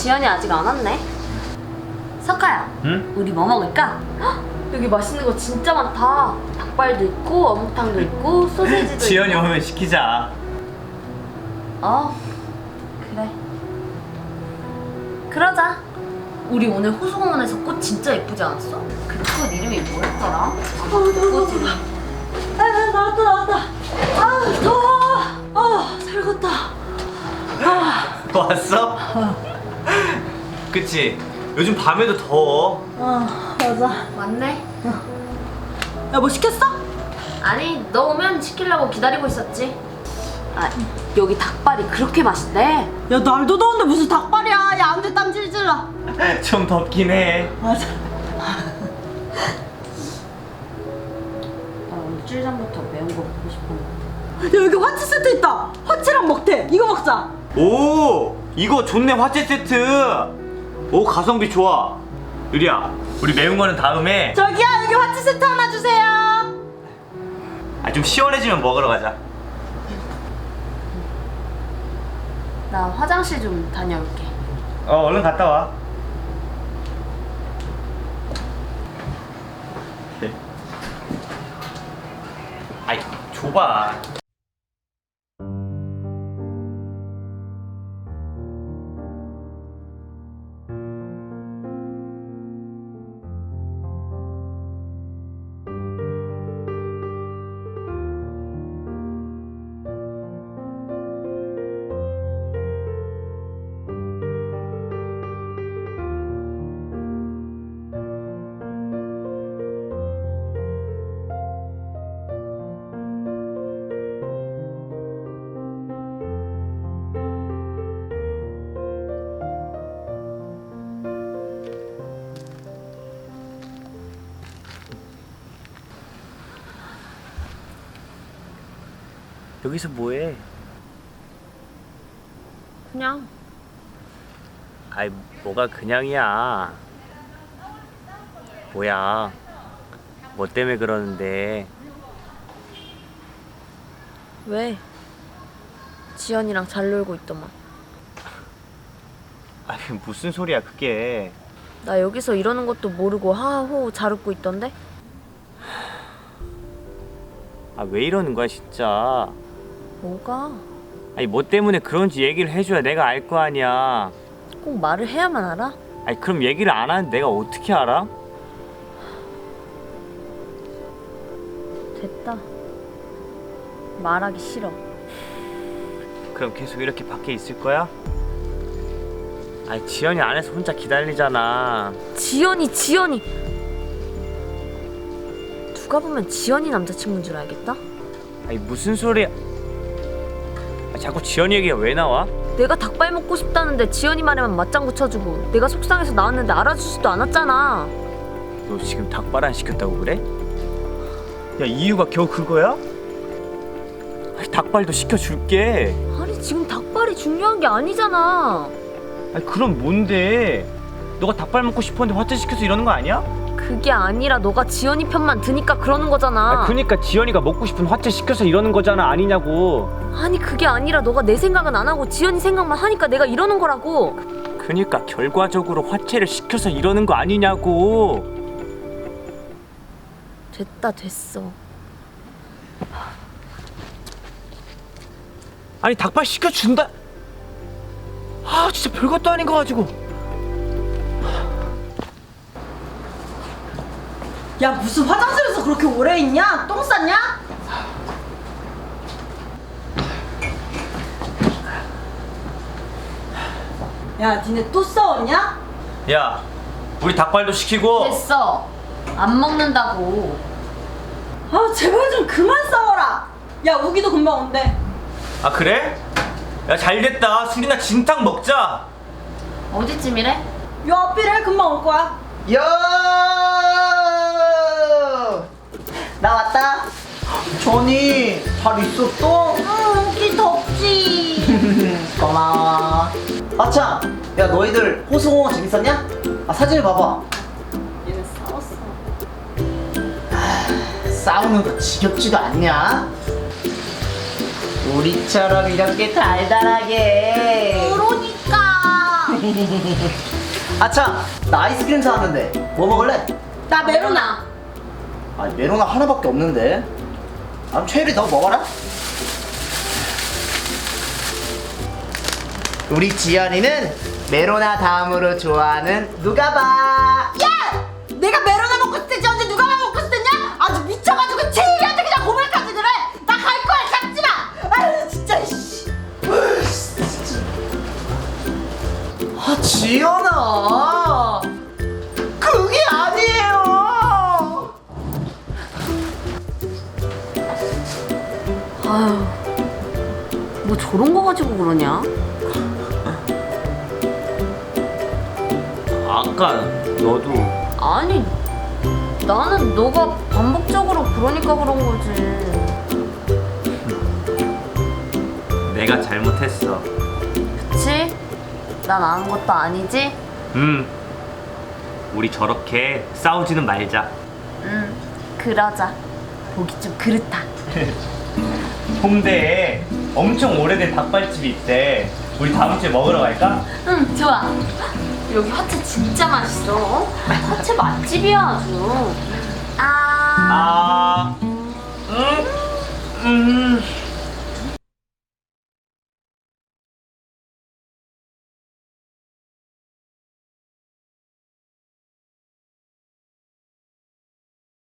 지연이 아직 안 왔네. 석하야. 응? 우리 뭐 먹을까? 헉, 여기 맛있는 거 진짜 많다. 닭발도 있고 어묵탕도 있고 소세지도 지연이 있고. 오면 시키자. 그래. 그러자. 우리 오늘 호수공원에서 꽃 진짜 예쁘지 않았어? 그 꽃 이름이 뭐였더라? 꽃 이름. 나왔다. 아 더워. 살겄다. 왔어? 그치? 요즘 밤에도 더워. 맞아. 왔네. 야, 뭐 시켰어? 아니 너 오면 시키려고 기다리고 있었지. 아 여기 닭발이 그렇게 맛있대. 야, 날도 더운데 무슨 닭발이야. 야, 안돼 땀 질질 나. 좀 덥긴 해. 맞아. 나 일주일 전부터 매운 거 먹고 싶어. 야, 여기 화채 세트 있다. 화채랑 먹태. 이거 먹자. 오! 이거 좋네, 화채 세트! 오, 가성비 좋아. 유리야, 우리 매운 거는 다음에. 저기요, 여기 화채 세트 하나 주세요. 아, 좀 시원해지면 먹으러 가자. 나 화장실 좀 다녀올게. 얼른 갔다 와. 네. 아이, 줘봐. 여기서 뭐해? 그냥. 아이, 뭐가 그냥이야. 뭐야? 뭐 때문에 그러는데? 왜? 지연이랑 잘 놀고 있더만. 아니, 무슨 소리야 그게. 나 여기서 이러는 것도 모르고 하하호 잘 웃고 있던데? 아, 왜 이러는 거야 진짜. 뭐가? 아니, 뭐 때문에 그런지 얘기를 해줘야 내가 알 거 아니야. 꼭 말을 해야만 알아? 아니, 그럼 얘기를 안 하는데 내가 어떻게 알아? 됐다. 말하기 싫어. 그럼 계속 이렇게 밖에 있을 거야? 아니, 지연이 안에서 혼자 기다리잖아. 지연이 누가 보면 지연이 남자친구인 줄 알겠다? 아니, 무슨 소리야. 아, 자꾸 지연이 얘기가 왜 나와? 내가 닭발 먹고 싶다는데 지연이 말에만 맞장구 쳐주고 내가 속상해서 나왔는데 알아주지도 않았잖아. 너 지금 닭발 안 시켰다고 그래? 야, 이유가 겨우 그거야? 아니, 닭발도 시켜줄게. 아니 지금 닭발이 중요한 게 아니잖아. 아니, 그럼 뭔데? 너가 닭발 먹고 싶었는데 화채 시켜서 이러는 거 아니야? 그게 아니라 너가 지연이 편만 드니까 그러는 거잖아. 아, 그니까 지연이가 먹고 싶은 화채 시켜서 이러는 거잖아, 아니냐고. 아니 그게 아니라 너가 내 생각은 안 하고 지연이 생각만 하니까 내가 이러는 거라고. 그니까 결과적으로 화채를 시켜서 이러는 거 아니냐고. 됐어. 아니, 닭발 시켜준다. 아, 진짜 별것도 아닌 거 가지고. 야, 무슨 화장실에서 그렇게 오래 있냐? 똥 쌌냐? 야, 니네 또 싸웠냐? 야, 우리 닭발도 시키고. 됐어. 안 먹는다고. 아, 제발 좀 그만 싸워라. 야, 우기도 금방 온대. 아, 그래? 야, 잘됐다. 술이나 진탕 먹자. 어디쯤이래? 요 앞이래. 금방 올 거야. 요! 나 왔다. 전이 잘 있었어? 응, 우기 덥지. 고마워. 아참, 야 너희들 호수공원 재밌었냐? 아 사진을 봐봐. 얘네 싸웠어. 싸우는 거 지겹지도 않냐? 우리처럼 이렇게 달달하게. 그러니까. 아참, 나 아이스크림 사왔는데 뭐 먹을래? 나 메로나. 아니 메로나 하나밖에 없는데. 아, 최유리 너 먹어라. 우리 지연이는 메로나 다음으로 좋아하는 누가 봐. 야! 내가 메로나 먹고 싶을 때 언제 누가 먹고 싶었냐? 아주 미쳐가지고 제이한테 그냥 고백까지 그래. 나 갈 거야. 잡지 마. 아유 진짜. 씨. 아 지연아, 그게 아니에요. 아유, 뭐 저런 거 가지고 그러냐? 아까 너도 아니, 나는 너가 반복적으로 그러니까 그런 거지. 내가 잘못했어. 그치? 난 아는 것도 아니지? 우리 저렇게 싸우지는 말자. 그러자. 보기 좀 그렇다. 홍대에 엄청 오래된 닭발집이 있대. 우리 다음 주에 먹으러 갈까? 응, 좋아. 여기 화채 진짜 맛있어. 화채 맛집이야 아주. 아,